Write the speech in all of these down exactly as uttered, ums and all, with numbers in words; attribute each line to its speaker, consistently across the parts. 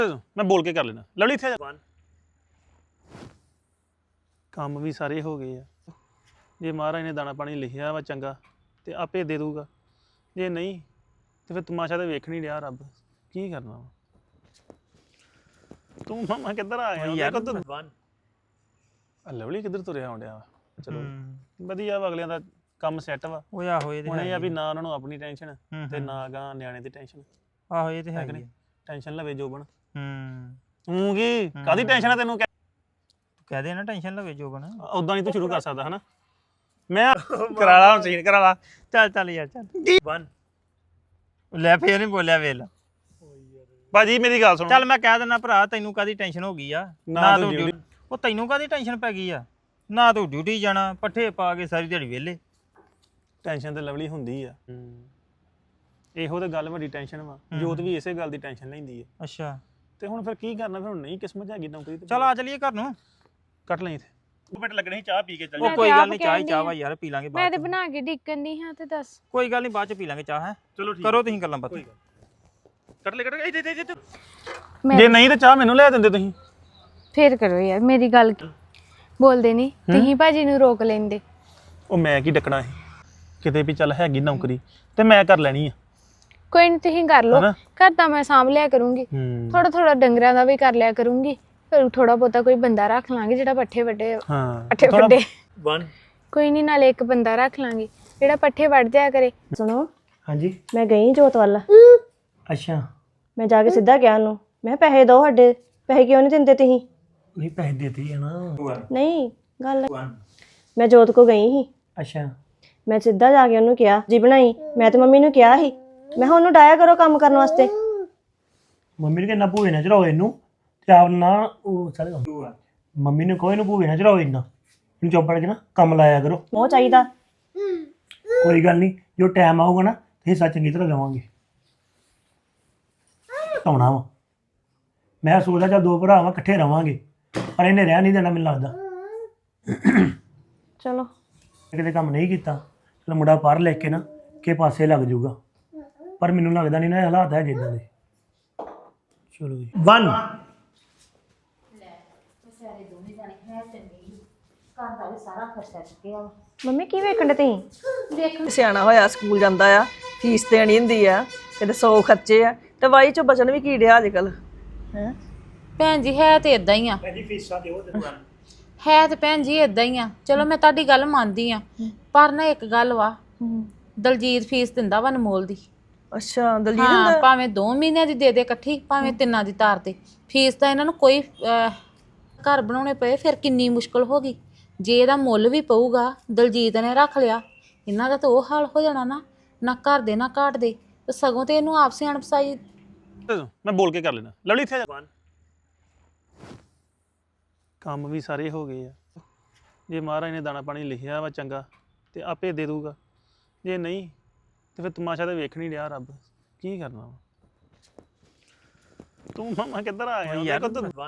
Speaker 1: ਮੈਂ ਬੋਲ ਕੇ ਕਰ ਲੈਣਾ ਲਵਲੀ ਇੱਥੇ ਆ। ਕੰਮ ਵੀ ਸਾਰੇ ਹੋ ਗਏ ਆ ਜੇ ਮਹਾਰਾਜ ਨੇ ਦਾਣਾ ਪਾਣੀ ਲਿਖਿਆ ਵਾ ਚੰਗਾ ਤੇ ਆਪੇ ਦੇ ਦੂਗਾ ਜੇ ਨਹੀਂ ਤੇ ਫਿਰ ਤਮਾਸ਼ਾ ਤਾਂ ਵੇਖ ਨਹੀਂ ਰਿਹਾ ਰੱਬ ਕੀ ਕਰਨਾ ਵਾ ਤੂੰ ਮਾਮਾ ਕਿੱਧਰ ਆ ਗਿਆ ਯਾਰ ਤੂੰ ਲਵਲੀ ਕਿੱਧਰ ਤੁਰਿਆ ਆਉਂਦਿਆ ਵਾ ਚਲੋ ਵਧੀਆ ਵਾ ਅਗਲਿਆਂ ਦਾ ਕੰਮ ਸੈੱਟ ਵਾ
Speaker 2: ਉਹ ਆਹੋ ਇਹ ਤੇ
Speaker 1: ਹੁਣ ਇਹ ਆ ਵੀ ਨਾ ਉਹਨਾਂ ਨੂੰ ਆਪਣੀ ਟੈਨਸ਼ਨ ਤੇ ਨਾ ਗਾ ਨਿਆਣੇ ਦੀ ਟੈਨਸ਼ਨ
Speaker 2: ਆਹੋ ਇਹ ਤੇ ਹੈ ਕਿ
Speaker 1: ਟੈਨਸ਼ਨ ਲਵੇ ਜੋਬਨ
Speaker 2: ਹੂੰ
Speaker 1: ਤੂੰ ਕੀ ਕਾਦੀ ਟੈਨਸ਼ਨ ਆ ਤੈਨੂੰ
Speaker 2: ਤੂੰ ਕਹਿ ਦੇ ਨਾ ਟੈਨਸ਼ਨ ਲਵੇ ਜੋਬਨ
Speaker 1: ਉਦਾਂ ਨਹੀਂ ਤੂੰ ਸ਼ੁਰੂ ਕਰ ਸਕਦਾ ਹਨਾ ਮੈਂ ਕਰਾ ਲਾ ਮਸ਼ੀਨ ਕਰਾ ਲਾ
Speaker 2: ਚੱਲ ਚੱਲ ਯਾਰ ਚੱਲ ਲੈ ਫੇਰ ਨਹੀਂ ਬੋਲਿਆ ਵੇਲ
Speaker 1: ਭਾਜੀ ਮੇਰੀ ਗੱਲ ਸੁਣ
Speaker 2: ਚੱਲ ਮੈਂ ਕਹਿ ਦਿੰਦਾ ਭਰਾ ਤੈਨੂੰ ਕਾਦੀ ਟੈਨਸ਼ਨ ਹੋ ਗਈ ਆ ਨਾ ਤੂੰ ਡਿਊਟੀ ਉਹ ਤੈਨੂੰ ਕਾਦੀ ਟੈਨਸ਼ਨ ਪੈ ਗਈ ਆ ਨਾ ਤੂੰ ਡਿਊਟੀ ਜਾਣਾ ਪੱਠੇ ਪਾ ਕੇ ਸਾਰੀ ਦਿਹਾੜੀ ਵਿਹਲੇ
Speaker 1: ਟੈਨਸ਼ਨ ਤੇ ਲਵਲੀ ਹੁੰਦੀ ਆ ਇਹੋ ਤੇ ਗੱਲ ਵੱਡੀ ਟੈਨਸ਼ਨ ਵਾ ਜੋਤ ਵੀ ਇਸੇ ਗੱਲ ਦੀ ਟੈਨਸ਼ਨ ਲੈਂਦੀ ਆ
Speaker 2: ਅੱਛਾ
Speaker 1: ਤੇ ਹੁਣ ਫਿਰ ਕੀ ਕਰਨਾ ਫਿਰ ਹੁਣ ਨਹੀਂ ਕਿਸਮਤ ਹੈਗੀ ਨੌਕਰੀ ਤੇ
Speaker 2: ਚੱਲ ਆ ਚਲੀਏ ਘਰ ਨੂੰ
Speaker 1: ਕੱਟ ਲਈ ਇੱਥੇ ਦੋ ਮਿੰਟ ਲੱਗਣੇ ਸੀ ਚਾਹ ਪੀ ਕੇ ਚੱਲ
Speaker 2: ਉਹ ਕੋਈ ਗੱਲ ਨਹੀਂ ਚਾਹ ਹੀ ਚਾਹ ਵਾ ਯਾਰ ਪੀ ਲਾਂਗੇ
Speaker 3: ਮੈਂ ਤੇ ਬਣਾ ਕੇ ਡਿੱਕਣ ਦੀ ਹਾਂ ਤੇ ਦੱਸ
Speaker 2: ਕੋਈ ਗੱਲ ਨਹੀਂ ਬਾਅਦ ਚ ਪੀ ਲਾਂਗੇ ਚਾਹ ਹੈ
Speaker 1: ਚਲੋ ਠੀਕ
Speaker 2: ਕਰੋ ਤੁਸੀਂ ਗੱਲਾਂ ਬਾਤਾਂ
Speaker 1: ਕੱਟ ਲੈ ਕੱਟ ਲੈ ਇੱਥੇ ਇੱਥੇ ਜੇ ਨਹੀਂ ਤੇ ਚਾਹ ਮੈਨੂੰ ਲੈ ਦਿੰਦੇ ਤੁਸੀਂ
Speaker 3: ਫੇਰ ਕਰੋ ਯਾਰ ਮੇਰੀ ਗੱਲ ਬੋਲਦੇ ਨਹੀਂ ਤੁਸੀਂ ਭਾਜੀ ਨੂੰ ਰੋਕ ਲੈਂਦੇ
Speaker 1: ਉਹ ਮੈਂ ਕੀ ਡੱਕਣਾ ਸੀ ਕਿਤੇ ਵੀ ਚੱਲ ਹੈਗੀ ਨੌਕਰੀ ਤੇ ਮੈਂ ਕਰ ਲੈਣੀ ਆ
Speaker 3: ਕੋਈ ਨਹੀਂ ਤੁਸੀਂ ਕਰ ਲਓ ਘਰ ਤਾਂ ਮੈਂ ਸਾਂਭ ਲਿਆ ਕਰੂੰਗੀ ਥੋੜਾ ਥੋੜਾ ਡੰਗਰਾਂ ਦਾ ਵੀ ਕਰ ਲਿਆ ਕਰੂੰਗੀ ਫਿਰ ਥੋੜਾ ਬਹੁਤਾ ਕੋਈ ਬੰਦਾ ਰੱਖ ਲਾਂਗੇ ਜਿਹੜਾ ਪੱਠੇ ਵੱਡੇ
Speaker 1: ਹਾਂ
Speaker 3: ਪੱਠੇ ਵੱਡੇ
Speaker 1: ਵਨ
Speaker 3: ਕੋਈ ਨਹੀਂ ਨਾਲੇ ਇੱਕ ਬੰਦਾ ਰੱਖ ਲਾਂਗੇ ਜਿਹੜਾ ਪੱਠੇ ਵੱਢ ਜਾਇਆ ਕਰੇ
Speaker 4: ਸੁਣੋ
Speaker 1: ਹਾਂਜੀ
Speaker 4: ਮੈਂ ਗਈ ਜੋਤ ਵੱਲ
Speaker 1: ਅੱਛਾ
Speaker 4: ਮੈਂ ਜਾ ਕੇ ਸਿੱਧਾ ਕਿਹਾ ਉਹਨੂੰ ਮੈਂ ਪੈਸੇ ਦਿਓ ਸਾਡੇ ਪੈਸੇ ਕਿਉਂ ਨਹੀਂ ਦਿੰਦੇ ਤੁਸੀਂ
Speaker 1: ਨਹੀਂ ਪੈਸੇ ਦੇਤੇ ਆ ਨਾ
Speaker 4: ਨਹੀਂ ਗੱਲ ਮੈਂ ਜੋਤ ਕੋ ਗਈ ਸੀ
Speaker 1: ਅੱਛਾ
Speaker 4: ਮੈਂ ਸਿੱਧਾ ਜਾ ਕੇ ਉਹਨੂੰ ਕਿਹਾ ਜੀ ਬਣਾਈ ਮੈਂ ਤੇ ਮੰਮੀ ਨੂੰ ਕਿਹਾ ਸੀ ਮੈਂ ਕਿਹਾ ਉਹਨੂੰ ਡਾਇਆ ਕਰੋ ਕੰਮ ਕਰਨ ਵਾਸਤੇ
Speaker 1: ਮੰਮੀ ਨੇ ਕਿੰਨਾ ਭੂਏ ਨਾ ਚੜਾਓ ਇਹਨੂੰ ਤੇ ਆਪ ਨਾ ਉਹ ਚੱਲ ਮੰਮੀ ਨੇ ਕੋਈ ਨੂੰ ਭੂਏ ਨਾ ਚੜਾਓ ਇੰਨਾ ਇਹਨੂੰ ਚੁੱਪ ਕਰਕੇ ਨਾ ਕੰਮ ਲਾਇਆ ਕਰੋ
Speaker 4: ਉਹ ਚਾਹੀਦਾ
Speaker 1: ਕੋਈ ਗੱਲ ਨਹੀਂ ਜੋ ਟਾਈਮ ਆਊਗਾ ਨਾ ਤੇ ਹਿੱਸਾ ਚੰਗੀ ਤਰ੍ਹਾਂ ਲਵਾਂਗੇ ਆਉਣਾ ਵਾ ਮੈਂ ਸੋਚਦਾ ਚੱਲ ਦੋ ਭਰਾ ਵਾਂ ਇਕੱਠੇ ਰਵਾਂਗੇ ਪਰ ਇਹਨੇ ਰਹਿ ਨਹੀਂ ਦੇਣਾ ਮੈਨੂੰ ਲੱਗਦਾ
Speaker 4: ਚਲੋ
Speaker 1: ਕਿਤੇ ਕੰਮ ਨਹੀਂ ਕੀਤਾ ਚਲ ਮੁੰਡਾ ਪੜ੍ਹ ਲਿਖ ਕੇ ਨਾ ਕਿ ਪਾਸੇ ਲੱਗ ਜਾਊਗਾ ਪਰ ਮੈਨੂੰ ਲੱਗਦਾ ਨਹੀਂ ਨਾ ਇਹ ਹਾਲਾਤ ਹੈ ਜਿੱਦਾਂ ਦੇ ਚਲੋ ਜੀ ਵਨ
Speaker 4: ਮੰਮੀ ਕੀ ਵੇਖਣ ਦੇ ਤੁਸੀਂ
Speaker 5: ਸਿਆਣਾ ਹੋਇਆ ਸਕੂਲ ਜਾਂਦਾ ਆ ਫੀਸ ਦੇਣੀ ਹੁੰਦੀ ਆ ਕਿਤੇ ਸੌ ਖਰਚੇ ਆ ਤੇ ਵਾਈ ਚੋਂ ਬਚਣ ਵੀ ਕੀ ਡਿਆ ਅੱਜ ਕੱਲ ਹੈ
Speaker 6: ਭੈਣ ਜੀ ਹੈ ਤੇ ਇਦਾਂ ਹੀ ਆ
Speaker 1: ਜੀ ਫੀਸਾਂ ਦਿਓ ਤੇ
Speaker 6: ਹੈ ਤੇ ਭੈਣ ਜੀ ਇਦਾਂ ਹੀ ਆ ਚਲੋ ਮੈਂ ਤੁਹਾਡੀ ਗੱਲ ਮੰਨਦੀ ਆ ਪਰ ਨਾ ਇੱਕ ਗੱਲ ਵਾ ਦਲਜੀਤ ਫੀਸ ਦਿੰਦਾ ਵਾ ਅਨਮੋਲ ਦੀ
Speaker 5: ਅੱਛਾ ਦਲਜੀਤ
Speaker 6: ਹਾਂ ਭਾਵੇਂ ਦੋ ਮਹੀਨਿਆਂ ਦੀ ਦੇ ਦੇ ਇਕੱਠੀ ਭਾਵੇਂ ਤਿੰਨਾਂ ਦੀ ਤਾਰ ਤੇ ਫੀਸ ਤਾਂ ਇਹਨਾਂ ਨੂੰ ਕੋਈ ਘਰ ਬਣਾਉਣੇ ਪਏ ਫਿਰ ਕਿੰਨੀ ਮੁਸ਼ਕਲ ਹੋ ਗਈ ਜੇ ਇਹਦਾ ਮੁੱਲ ਵੀ ਪਊਗਾ ਦਲਜੀਤ ਨੇ ਰੱਖ ਲਿਆ ਇਹਨਾਂ ਦਾ ਤਾਂ ਉਹ ਹਾਲ ਹੋ ਜਾਣਾ ਨਾ ਨਾ ਘਰ ਦੇ ਨਾ ਘਾਟ ਦੇ ਤੇ ਸਗੋਂ ਤੇ ਇਹਨੂੰ ਆਪ ਸਿਆਣ ਪਸਾਈ
Speaker 1: ਮੈਂ ਬੋਲ ਕੇ ਕਰ ਲੈਣਾ ਲਵਲੀ ਇੱਥੇ ਆ ਕੰਮ ਵੀ ਸਾਰੇ ਹੋ ਗਏ ਆ ਜੇ ਮਹਾਰਾਜ ਨੇ ਦਾਣਾ ਪਾਣੀ ਲਿਖਿਆ ਵਾ ਚੰਗਾ ਤੇ ਆਪੇ ਦੇ ਦੂਗਾ ਜੇ ਨਹੀਂ ਤੇ ਫਿਰ ਤਮਾਸ਼ਾ ਤਾਂ ਵੇਖ ਨਹੀਂ ਰਿਹਾ ਰੱਬ ਕੀ ਕਰਨਾ ਵਾ ਤੂੰ ਮਾਮਾ ਕਿੱਧਰ ਆ ਗਿਆ ਯਾਰ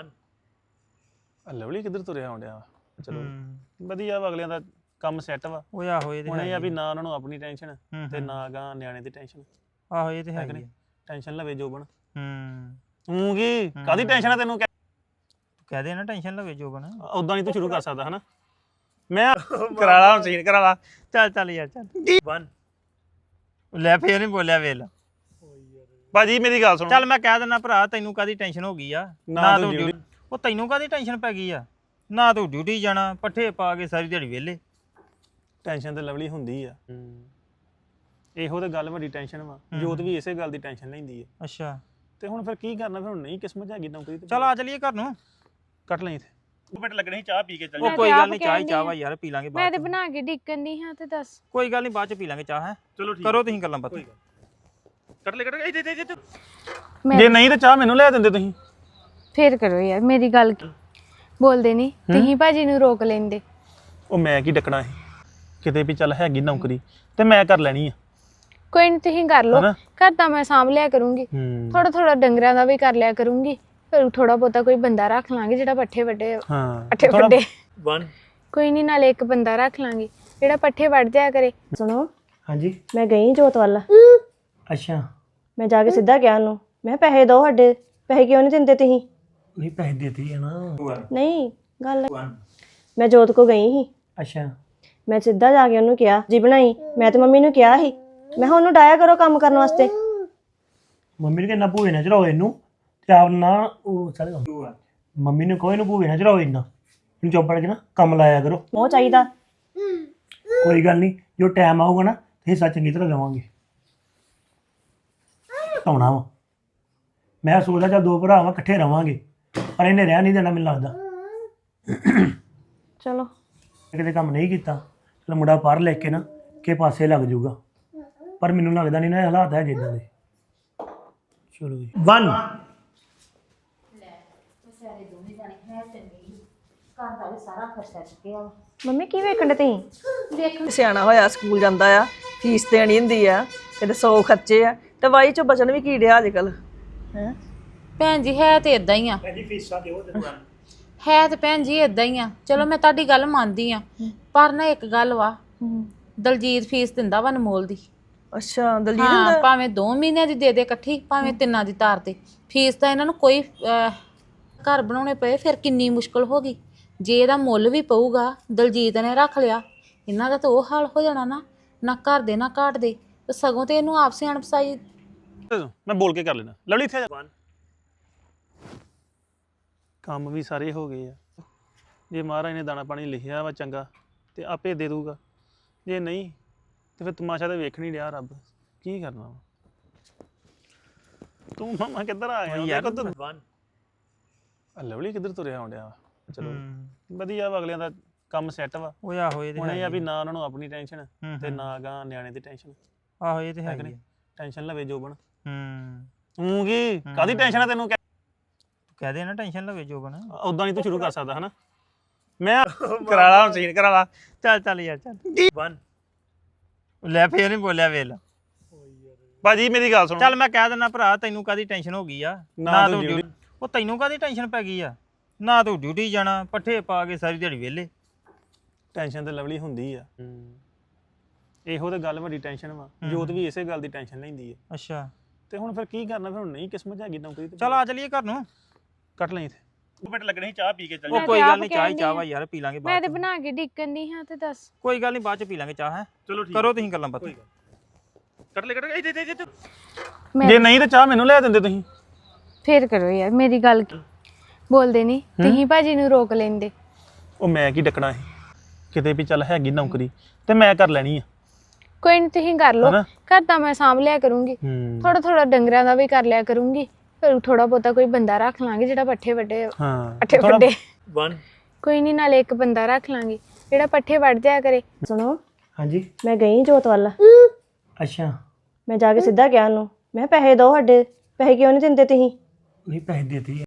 Speaker 1: ਲਵਲੀ ਕਿੱਧਰ ਤੁਰਿਆ ਆਉਂਦਿਆ ਵਾ ਚਲੋ ਵਧੀਆ ਵਾ ਅਗਲਿਆਂ ਦਾ ਕੰਮ ਸੈੱਟ ਵਾ
Speaker 2: ਉਹ ਆਹੋ ਇਹ ਤੇ
Speaker 1: ਹੁਣ ਇਹ ਆ ਵੀ ਨਾ ਉਹਨਾਂ ਨੂੰ ਆਪਣੀ ਟੈਨਸ਼ਨ ਤੇ ਨਾ ਗਾ ਨਿਆਣੇ ਦੀ ਟੈਨਸ਼ਨ
Speaker 2: ਆਹੋ ਇਹ ਤੇ ਹੈ ਕਿ
Speaker 1: ਟੈਨਸ਼ਨ ਲਵੇ ਜੋਬਨ
Speaker 2: ਹੂੰ
Speaker 1: ਤੂੰ ਕੀ ਕਾਦੀ ਟੈਨਸ਼ਨ ਆ ਤੈਨੂੰ
Speaker 2: ਤੂੰ ਕਹਿ ਦੇ ਨਾ ਟੈਨਸ਼ਨ ਲਵੇ ਜੋਬਨ
Speaker 1: ਉਦਾਂ ਨਹੀਂ ਤੂੰ ਸ਼ੁਰੂ ਕਰ ਸਕਦਾ ਹਨਾ ਮੈਂ ਕਰਾ ਲਾ ਮਸ਼ੀਨ ਕਰਾ ਲਾ
Speaker 2: ਚੱਲ ਚੱਲ ਯਾਰ ਚੱਲ ਲੈ ਫੇਰ ਨਹੀਂ ਬੋਲਿਆ ਵੇਲ
Speaker 1: ਭਾਜੀ ਮੇਰੀ ਗੱਲ ਸੁਣ
Speaker 2: ਚੱਲ ਮੈਂ ਕਹਿ ਦਿੰਦਾ ਭਰਾ ਤੈਨੂੰ ਕਾਦੀ ਟੈਨਸ਼ਨ ਹੋ ਗਈ ਆ ਨਾ ਤੂੰ ਡਿਊਟੀ ਉਹ ਤੈਨੂੰ ਕਾਦੀ ਟੈਨਸ਼ਨ ਪੈ ਗਈ ਆ ਨਾ ਤੂੰ ਡਿਊਟੀ ਜਾਣਾ ਪੱਠੇ ਪਾ ਕੇ ਸਾਰੀ ਦਿਹਾੜੀ ਵਿਹਲੇ
Speaker 1: ਟੈਨਸ਼ਨ ਤੇ ਲਵਲੀ ਹੁੰਦੀ ਆ ਇਹੋ ਤੇ ਗੱਲ ਵੱਡੀ ਟੈਨਸ਼ਨ ਵਾ ਜੋਤ ਵੀ ਇਸੇ ਗੱਲ ਦੀ ਟੈਨਸ਼ਨ ਲੈਂਦੀ ਆ
Speaker 2: ਅੱਛਾ
Speaker 1: ਤੇ ਹੁਣ ਫਿਰ ਕੀ ਕਰਨਾ ਫਿਰ ਹੁਣ ਨਹੀਂ ਕਿਸਮਤ ਹੈਗੀ ਨੌਕਰੀ ਤੇ
Speaker 2: ਚੱਲ ਆ ਚਲੀਏ ਘਰ ਨੂੰ
Speaker 1: ਕੱਟ ਲਈ ਇੱਥੇ ਦੋ ਮਿੰਟ ਲੱਗਣੇ ਸੀ ਚਾਹ ਪੀ ਕੇ ਚੱਲ
Speaker 2: ਉਹ ਕੋਈ ਗੱਲ ਨਹੀਂ ਚਾਹ ਹੀ ਚਾਹ ਵਾ ਯਾਰ ਪੀ ਲਾਂਗੇ
Speaker 3: ਮੈਂ
Speaker 2: ਬਾਅਦ
Speaker 3: ਤੇ ਬਣਾ ਕੇ ਡਿੱਕਣ ਦੀ ਹਾਂ ਤੇ ਦੱਸ
Speaker 2: ਕੋਈ ਗੱਲ ਨਹੀਂ ਬਾਅਦ ਚ ਪੀ ਲਾਂਗੇ ਚਾਹ ਹੈ
Speaker 1: ਚਲੋ ਠੀਕ
Speaker 2: ਕਰੋ ਤੁਸੀਂ ਗੱਲਾਂ ਬਾਤਾਂ
Speaker 1: ਕੱਟ ਲੈ ਕੱਟ ਇੱਥੇ ਇੱਥੇ ਇੱਥੇ ਜੇ ਨਹੀਂ ਤੇ ਚਾਹ ਮੈਨੂੰ ਲੈ ਦਿੰਦੇ ਤੁਸੀਂ
Speaker 3: ਫੇਰ ਕਰੋ ਯਾਰ ਮੇਰੀ ਗੱਲ ਬੋਲਦੇ ਨਹੀਂ ਤੁਸੀਂ ਭਾਜੀ ਨੂੰ ਰੋਕ ਲੈਂਦੇ
Speaker 1: ਉਹ ਮੈਂ ਕੀ ਡੱਕਣਾ ਸੀ ਕਿਤੇ ਵੀ ਚੱਲ ਹੈਗੀ ਨੌਕਰੀ ਤੇ ਮੈਂ ਕਰ ਲੈਣੀ ਆ
Speaker 3: ਕੋਈ ਨਹੀਂ ਤੁਸੀਂ ਕਰ ਲਓ ਘਰ ਤਾਂ ਮੈਂ ਸਾਂਭ ਲਿਆ ਕਰੂੰਗੀ ਥੋੜਾ ਥੋੜਾ ਡੰਗਰਾਂ ਦਾ ਵੀ ਕਰ ਲਿਆ ਕਰੂੰਗੀ ਫਿਰ ਥੋੜਾ ਬਹੁਤਾ ਕੋਈ ਬੰਦਾ ਰੱਖ ਲਾਂਗੇ ਜਿਹੜਾ ਪੱਠੇ ਵੱਡੇ
Speaker 1: ਹਾਂ
Speaker 3: ਪੱਠੇ ਵੱਡੇ
Speaker 1: ਵਨ
Speaker 3: ਕੋਈ ਨਹੀਂ ਨਾਲੇ ਇੱਕ ਬੰਦਾ ਰੱਖ ਲਾਂਗੇ ਜਿਹੜਾ ਪੱਠੇ ਵੱਢ ਜਾਇਆ ਕਰੇ
Speaker 4: ਸੁਣੋ
Speaker 1: ਹਾਂਜੀ
Speaker 4: ਮੈਂ ਗਈ ਜੋਤ ਵੱਲ
Speaker 1: ਅੱਛਾ
Speaker 4: ਮੈਂ ਜਾ ਕੇ ਸਿੱਧਾ ਕਿਹਾ ਉਹਨੂੰ ਮੈਂ ਪੈਸੇ ਦਿਓ ਸਾਡੇ ਪੈਸੇ ਕਿਉਂ ਨਹੀਂ ਦਿੰਦੇ ਤੁਸੀਂ?
Speaker 7: ਨਹੀਂ ਪੈਸੇ ਦੇਤੀ ਹੈ ਨਾ।
Speaker 4: ਨਹੀਂ ਗੱਲ ਮੈਂ ਜੋਤ ਕੋ ਗਈ ਸੀ।
Speaker 7: ਅੱਛਾ
Speaker 4: ਮੈਂ ਸਿੱਧਾ ਜਾ ਕੇ ਉਹਨੂੰ ਕਿਹਾ ਜੀ ਬਣਾਈ। ਮੈਂ ਤੇ ਮੰਮੀ ਨੂੰ ਕਿਹਾ ਸੀ ਮੈਂ ਕਿਹਾ ਉਹਨੂੰ ਡਾਇਆ ਕਰੋ ਕੰਮ ਕਰਨ ਵਾਸਤੇ।
Speaker 7: ਮੰਮੀ ਨੇ ਕਿੰਨਾ ਭੂਏ ਨਾ ਚੜਾਓ ਇਹਨੂੰ ਤੇ ਆਪ ਨਾ ਉਹ ਚੱਲ ਮੰਮੀ ਨੇ ਕੋਈ ਨੂੰ ਭੂਏ ਨਾ ਚੜਾਓ ਇੰਨਾ ਇਹਨੂੰ ਚੁੱਪ ਕਰਕੇ ਨਾ ਕੰਮ ਲਾਇਆ ਕਰੋ।
Speaker 4: ਉਹ ਚਾਹੀਦਾ
Speaker 7: ਕੋਈ ਗੱਲ ਨਹੀਂ ਜੋ ਟਾਈਮ ਆਊਗਾ ਨਾ ਤੇ ਹਿੱਸਾ ਚੰਗੀ ਤਰ੍ਹਾਂ ਲਵਾਂਗੇ। ਆਉਣਾ ਵਾ ਮੈਂ ਸੋਚਦਾ ਚੱਲ ਦੋ ਭਰਾ ਵਾ ਇਕੱਠੇ ਰਵਾਂਗੇ ਪਰ ਇਹਨੇ ਰਹਿ ਨਹੀਂ ਦੇਣਾ ਮੈਨੂੰ ਲੱਗਦਾ।
Speaker 4: ਚਲੋ
Speaker 7: ਕਿਤੇ ਕੰਮ ਨਹੀਂ ਕੀਤਾ ਚਲ ਮੁੰਡਾ ਪੜ੍ਹ ਲੈ ਕੇ ਨਾ ਕਿ ਪਾਸੇ ਲੱਗ ਜਾਊਗਾ ਪਰ ਮੈਨੂੰ ਲੱਗਦਾ ਨਹੀਂ ਨਾ ਇਹ ਹਾਲਾਤ ਹੈ ਜਿੱਦਾਂ ਦੇ। ਚਲੋ ਜੀ ਵਨ
Speaker 4: ਮੰਮੀ ਕੀ ਵੇਖਣ ਦੇ ਤੁਸੀਂ?
Speaker 5: ਸਿਆਣਾ ਹੋਇਆ ਸਕੂਲ ਜਾਂਦਾ ਆ ਫੀਸ ਦੇਣੀ ਹੁੰਦੀ ਆ ਕਿਤੇ ਸੌ ਖਰਚੇ ਆ ਤੇ ਵਾਈ ਚੋਂ ਬਚਣ ਵੀ ਕੀ ਡਿਆ ਅੱਜ ਕੱਲ ਹੈ
Speaker 6: ਭੈਣ ਜੀ ਹੈ ਤੇ ਇਦਾਂ ਹੀ ਆ
Speaker 7: ਜੀ ਫੀਸਾਂ ਦਿਓ ਤੇ
Speaker 6: ਹੈ ਤੇ ਭੈਣ ਜੀ ਇਦਾਂ ਹੀ ਆ। ਚਲੋ ਮੈਂ ਤੁਹਾਡੀ ਗੱਲ ਮੰਨਦੀ ਆ ਪਰ ਨਾ ਇੱਕ ਗੱਲ ਵਾ ਦਲਜੀਤ ਫੀਸ ਦਿੰਦਾ ਵਾ ਅਨਮੋਲ ਦੀ।
Speaker 5: ਅੱਛਾ ਦਲਜੀਤ
Speaker 6: ਹਾਂ
Speaker 5: ਦਾ
Speaker 6: ਭਾਵੇਂ ਦੋ ਮਹੀਨਿਆਂ ਦੀ ਦੇ ਦੇ ਇਕੱਠੀ ਭਾਵੇਂ ਤਿੰਨਾਂ ਦੀ ਤਾਰ ਤੇ ਫੀਸ ਤਾਂ ਇਹਨਾਂ ਨੂੰ ਕੋਈ ਅਹ, ਘਰ ਬਣਾਉਣੇ ਪਏ ਫਿਰ ਕਿੰਨੀ ਮੁਸ਼ਕਲ ਹੋ ਗਈ। ਜੇ ਇਹਦਾ ਮੁੱਲ ਵੀ ਪਊਗਾ ਦਲਜੀਤ ਨੇ ਰੱਖ ਲਿਆ ਇਹਨਾਂ ਦਾ ਤਾਂ ਉਹ ਹਾਲ ਹੋ ਜਾਣਾ ਨਾ ਨਾ ਘਰ ਦੇ ਨਾ ਘਾਟ ਦੇ ਤੇ ਸਗੋਂ ਤੇ ਇਹਨੂੰ ਆਪ ਸਿਆਣ ਪਸਾਈ।
Speaker 1: ਮੈਂ ਬੋਲ ਕੇ ਕਰ ਲੈਣਾ ਲਵਲੀ ਇੱਥੇ ਆ ਜਾ। ਕੰਮ ਵੀ ਸਾਰੇ ਹੋ ਗਏ ਆ ਜੇ ਮਹਾਰਾਜ ਨੇ ਦਾਣਾ ਪਾਣੀ ਲਿਖਿਆ ਵਾ ਚੰਗਾ ਤੇ ਆਪੇ ਦੇ ਦੂਗਾ ਜੇ ਨਹੀਂ ਤੇ ਫਿਰ ਤਮਾਸ਼ਾ ਤਾਂ ਵੇਖ ਨਹੀਂ ਰਿਹਾ ਰੱਬ ਕੀ ਕਰਨਾ ਵਾ। ਤੂੰ ਮਾਮਾ ਕਿੱਧਰ ਆ ਗਿਆ ਯਾਰ ਲਵਲੀ ਕਿੱਧਰ ਤੁਰਿਆ ਆਉਂਦਿਆ ਵਾ। ਚਲੋ ਵਧੀਆ ਵਾ ਅਗਲਿਆਂ ਦਾ ਕੰਮ ਸੈੱਟ ਵਾ।
Speaker 2: ਉਹ ਆਹੋ ਇਹ ਤੇ
Speaker 1: ਹੁਣ ਇਹ
Speaker 2: ਹੈ
Speaker 1: ਆ ਵੀ ਨਾ ਉਹਨਾਂ ਨੂੰ ਆਪਣੀ ਟੈਨਸ਼ਨ ਤੇ ਨਾ ਗਾ ਨਿਆਣੇ ਦੀ ਟੈਨਸ਼ਨ।
Speaker 2: ਆਹੋ ਇਹ ਤੇ ਹੈ ਹੀ ਆ।
Speaker 1: ਟੈਨਸ਼ਨ ਲਵੇ ਜੋਬਨ
Speaker 2: ਹੂੰ
Speaker 1: ਤੂੰ ਕੀ ਕਾਦੀ ਟੈਨਸ਼ਨ ਆ ਤੈਨੂੰ
Speaker 2: ਕਹਿ ਦੇ ਨਾ ਟੈਨਸ਼ਨ ਲਵੇ ਜੋਬਨ।
Speaker 1: ਉਦਾਂ ਨਹੀਂ ਤੂੰ ਸ਼ੁਰੂ ਕਰ ਸਕਦਾ ਹਨਾ। ਮੈਂ ਕਰਾ ਲਾ ਸੀਨ ਕਰਾ ਲਾ
Speaker 2: ਚੱਲ ਚੱਲ ਯਾਰ ਚੱਲ ਵਨ ਲੈ ਫੇਰ ਨਹੀਂ ਬੋਲਿਆ ਵੇਲ।
Speaker 1: ਭਾਜੀ ਮੇਰੀ ਗੱਲ ਸੁਣੋ
Speaker 2: ਚੱਲ ਮੈਂ ਕਹਿ ਦਿੰਦਾ ਭਰਾ ਤੈਨੂੰ ਕਾਦੀ ਟੈਨਸ਼ਨ ਹੋ ਗਈ ਆ
Speaker 1: ਨਾ
Speaker 2: ਨਾ
Speaker 1: ਤੂੰ
Speaker 2: ਤੂੰ
Speaker 1: duty-
Speaker 2: ਡਿਊਟੀ ਉਹ ਤੈਨੂੰ ਕਾਦੀ ਟੈਨਸ਼ਨ ਪੈ ਗਈ ਆ ਨਾ ਤੂੰ ਡਿਊਟੀ ਜਾਣਾ ਪੱਠੇ ਪਾ ਕੇ ਸਾਰੀ ਦਿਹਾੜੀ ਵਿਹਲੇ।
Speaker 1: ਟੈਨਸ਼ਨ ਤੇ ਲਵਲੀ ਹੁੰਦੀ ਆ ਇਹੋ ਤੇ ਗੱਲ ਵੱਡੀ ਟੈਨਸ਼ਨ ਵਾ। ਜੋਤ ਵੀ ਇਸੇ ਗੱਲ ਦੀ ਟੈਨਸ਼ਨ ਲੈਂਦੀ ਆ
Speaker 2: ਅੱਛਾ
Speaker 1: ਤੇ ਹੁਣ ਫਿਰ ਕੀ ਕਰਨਾ ਫਿਰ ਹੁਣ ਨਹੀਂ ਕਿਸਮਤ ਹੈਗੀ ਨੌਕਰੀ ਤੇ
Speaker 2: ਚੱਲ ਆ ਚਲੀਏ ਘਰ ਨੂੰ।
Speaker 1: ਕੱਟ ਲਈ ਇੱਥੇ ਦੋ ਮਿੰਟ ਲੱਗਣੇ ਸੀ ਚਾਹ ਪੀ ਕੇ ਚੱਲ
Speaker 2: ਉਹ
Speaker 3: ਮੈਂ
Speaker 2: ਕੋਈ
Speaker 3: ਤੇ
Speaker 2: ਗੱਲ
Speaker 3: ਆਪ
Speaker 2: ਨਹੀਂ ਚਾਹ ਹੀ
Speaker 3: ਕਹਿਣ
Speaker 2: ਚਾਹ ਵਾ
Speaker 3: ਡਈ
Speaker 2: ਯਾਰ ਪੀ ਲਾਂਗੇ
Speaker 3: ਮੈਂ
Speaker 2: ਬਾਅਦ
Speaker 3: ਤੇ
Speaker 2: ਚ।
Speaker 3: ਬਣਾ ਕੇ ਡਿੱਕਣ ਦੀ ਹਾਂ ਤੇ ਦੱਸ।
Speaker 2: ਕੋਈ ਗੱਲ ਨਹੀਂ ਬਾਅਦ ਚ ਪੀ ਲਾਂਗੇ ਚਾਹ ਹੈ।
Speaker 1: ਚਲੋ ਠੀਕ
Speaker 2: ਕਰੋ ਤੁਸੀਂ ਗੱਲਾਂ ਬਾਤਾਂ।
Speaker 1: ਕੱਟ ਲੈ ਕੱਟ ਲੈ ਇੱਥੇ ਇੱਥੇ
Speaker 3: ਮੈਂ
Speaker 1: ਜੇ ਨਹੀਂ ਤੇ ਚਾਹ ਮੈਨੂੰ ਲੈ ਦਿੰਦੇ ਤੁਸੀਂ।
Speaker 3: ਫੇਰ ਕਰੋ ਯਾਰ ਮੇਰੀ ਗੱਲ ਕੀ ਬੋਲਦੇ ਨਹੀਂ ਤੁਸੀਂ ਭਾਜੀ ਨੂੰ ਰੋਕ ਲੈਂਦੇ।
Speaker 1: ਉਹ ਮੈਂ ਕੀ ਡੱਕਣਾ ਸੀ ਕਿਤੇ ਵੀ ਚੱਲ ਹੈਗੀ ਨੌਕਰੀ ਤੇ ਮੈਂ ਕਰ ਲੈਣੀ ਆ।
Speaker 3: ਕੋਈ ਨਹੀਂ ਤੁਸੀਂ ਕਰ ਲਓ
Speaker 1: ਹਨਾ?
Speaker 3: ਘਰ ਤਾਂ ਮੈਂ ਸਾਂਭ ਲਿਆ ਕਰੂੰਗੀ
Speaker 1: ਹੂੰ
Speaker 3: ਥੋੜਾ ਥੋੜਾ ਡੰਗਰਾਂ ਦਾ ਵੀ ਕਰ ਲਿਆ ਕਰੂੰਗੀ ਫਿਰ ਥੋੜਾ ਬਹੁਤਾ ਕੋਈ ਬੰਦਾ ਰੱਖ ਲਾਂਗੇ ਜਿਹੜਾ ਪੱਠੇ ਵੱਡੇ
Speaker 1: ਹਾਂ
Speaker 3: ਪੱਠੇ
Speaker 1: ਥੋੜ੍ਹਾ-
Speaker 3: ਵੱਡੇ
Speaker 7: ਵਨ
Speaker 3: ਕੋਈ ਨਹੀਂ ਨਾਲੇ ਇੱਕ ਬੰਦਾ ਰੱਖ ਲਾਂਗੇ ਜਿਹੜਾ ਪੱਠੇ ਵੱਢ ਜਾਇਆ ਕਰੇ।
Speaker 4: ਸੁਣੋ
Speaker 7: ਹਾਂਜੀ
Speaker 4: ਮੈਂ ਗਈ ਜੋਤ ਵੱਲ।
Speaker 7: ਅੱਛਾ
Speaker 4: ਮੈਂ ਜਾ ਕੇ ਸਿੱਧਾ ਕਿਹਾ ਉਹਨੂੰ ਮੈਂ ਕਿਹਾ ਪੈਸੇ ਦਿਓ ਸਾਡੇ। ਪੈਸੇ ਕਿਉਂ ਨਹੀਂ ਦਿੰਦੇ ਤੁਸੀਂ?
Speaker 7: ਨਹੀਂ ਪੈਸੇ ਦੇਤੀ